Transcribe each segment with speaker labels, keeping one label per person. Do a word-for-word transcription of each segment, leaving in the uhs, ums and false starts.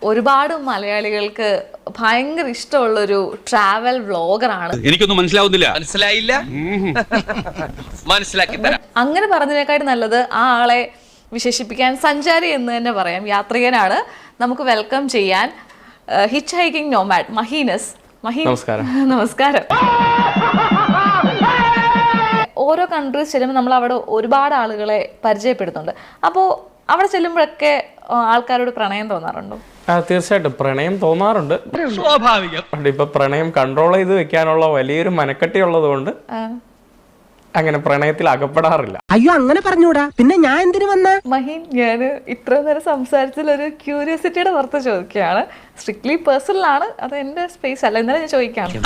Speaker 1: ഒരുപാട് മലയാളികൾക്ക് ഭയങ്കര ഇഷ്ടമുള്ളൊരു ട്രാവൽ വ്ളോഗറാണ്.
Speaker 2: എനിക്കൊന്നും മനസ്സിലാവുന്നില്ല. മനസ്സിലായില്ല? മനസ്സിലാക്കി തരാം.
Speaker 1: അങ്ങനെ പറഞ്ഞതിനേക്കാളും നല്ലത് ആ ആളെ വിശേഷിപ്പിക്കാൻ സഞ്ചാരി എന്ന് തന്നെ പറയാം. യാത്രികനാണ്. നമുക്ക് വെൽക്കം ചെയ്യാൻ ഹിച്ച് ഹൈക്കിംഗ് നോമാഡ് മഹീനസ്. മഹീൻ,
Speaker 3: നമസ്കാരം.
Speaker 1: നമസ്കാരം. ഓരോ കൺട്രീസ് ചെല്ലുമ്പോൾ നമ്മൾ അവിടെ ഒരുപാട് ആളുകളെ പരിചയപ്പെടുത്തുന്നുണ്ട്. അപ്പോൾ അവിടെ ചെല്ലുമ്പോഴൊക്കെ ആൾക്കാരോട് പ്രണയം തോന്നാറുണ്ടോ?
Speaker 3: ആ, തീർച്ചയായിട്ടും പ്രണയം തോന്നാറുണ്ട്.
Speaker 2: സ്വാഭാവികം.
Speaker 3: ഇപ്പൊ പ്രണയം കൺട്രോൾ ചെയ്ത് വെക്കാനുള്ള വലിയൊരു മനക്കെട്ടി ഉള്ളത് കൊണ്ട് അങ്ങനെ പ്രണയത്തിൽ അകപ്പെടാറില്ല.
Speaker 4: അയ്യോ, അങ്ങനെ പറഞ്ഞൂടാ. പിന്നെ ഞാൻ എന്തിനു വന്ന?
Speaker 1: മഹീൻ, ഞാൻ ഇത്ര നേരം സംസാരിച്ചതിൽ ഒരു ക്യൂരിയോസിറ്റിയുടെ പുറത്ത് ചോദിക്കുകയാണ്. സ്ട്രിക്ട്ലി പേഴ്സണൽ ആണ്, അത് എന്റെ സ്പേസ് അല്ല. ഇന്നലെ ഞാൻ ചോദിക്കാം.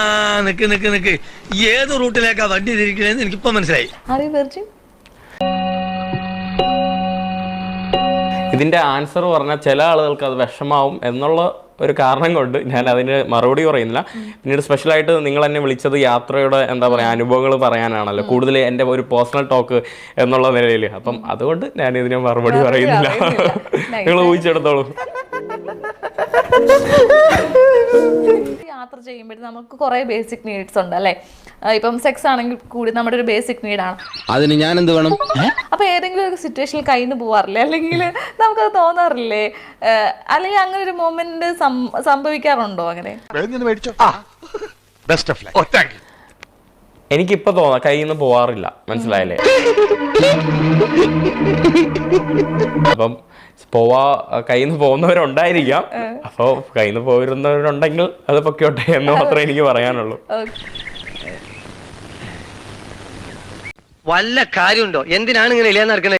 Speaker 5: ഏത് റൂട്ടിലേക്കാ വണ്ടി തിരിക്കണേന്ന് എനിക്കിപ്പോ മനസ്സിലായി.
Speaker 1: Are you virgin?
Speaker 3: ഇതിന്റെ ആൻസർ പറഞ്ഞാൽ ചില ആളുകൾക്ക് അത് വിഷമാവും എന്നുള്ള ഒരു കാരണം കൊണ്ട് ഞാൻ അതിന് മറുപടി പറയുന്നില്ല. പിന്നീട് സ്പെഷ്യലായിട്ട് നിങ്ങൾ എന്നെ വിളിച്ചത് യാത്രയുടെ എന്താ പറയുക അനുഭവങ്ങൾ പറയാനാണല്ലോ, കൂടുതൽ എൻ്റെ ഒരു പേഴ്സണൽ ടോക്ക് എന്നുള്ള നിലയിൽ. അപ്പം അതുകൊണ്ട് ഞാൻ ഇതിന് മറുപടി പറയുന്നില്ല. നിങ്ങൾ ഊഹിച്ചെടുത്തോളൂ.
Speaker 1: യാത്ര ചെയ്യുമ്പോഴേ നമുക്ക് കുറെ ബേസിക് നീഡ്സ് ഉണ്ട് അല്ലേ? ഇപ്പം സെക്സ് ആണെങ്കിൽ കൂടി നമ്മുടെ ഒരു ബേസിക് നീഡാണ്.
Speaker 5: അതിന് ഞാൻ എന്ത് വേണം?
Speaker 1: അപ്പൊ ഏതെങ്കിലും ഒരു സിറ്റുവേഷനിൽ കയ്യിൽ പോവാറില്ലേ? അല്ലെങ്കിൽ നമുക്കത് തോന്നാറില്ലേ? അല്ലെങ്കിൽ അങ്ങനെ ഒരു മൊമെന്റ് സംഭവിക്കാറുണ്ടോ? അങ്ങനെ
Speaker 3: എനിക്കിപ്പോ തോന്നാം കയ്യിൽ നിന്ന് പോവാറില്ല. മനസ്സിലായില്ലേ? അപ്പം പോവാ കയ്യിൽ നിന്ന് പോകുന്നവരുണ്ടായിരിക്കാം. അപ്പൊ കയ്യിൽ നിന്ന് പോയിരുന്നവരുണ്ടെങ്കിൽ അത് പൊക്കോട്ടെ എന്ന് മാത്രമേ എനിക്ക് പറയാനുള്ളൂ.
Speaker 5: വല്ല കാര്യമുണ്ടോ? എന്തിനാണ് ഇങ്ങനെ ഇല്ലാന്ന് നടക്കണേ?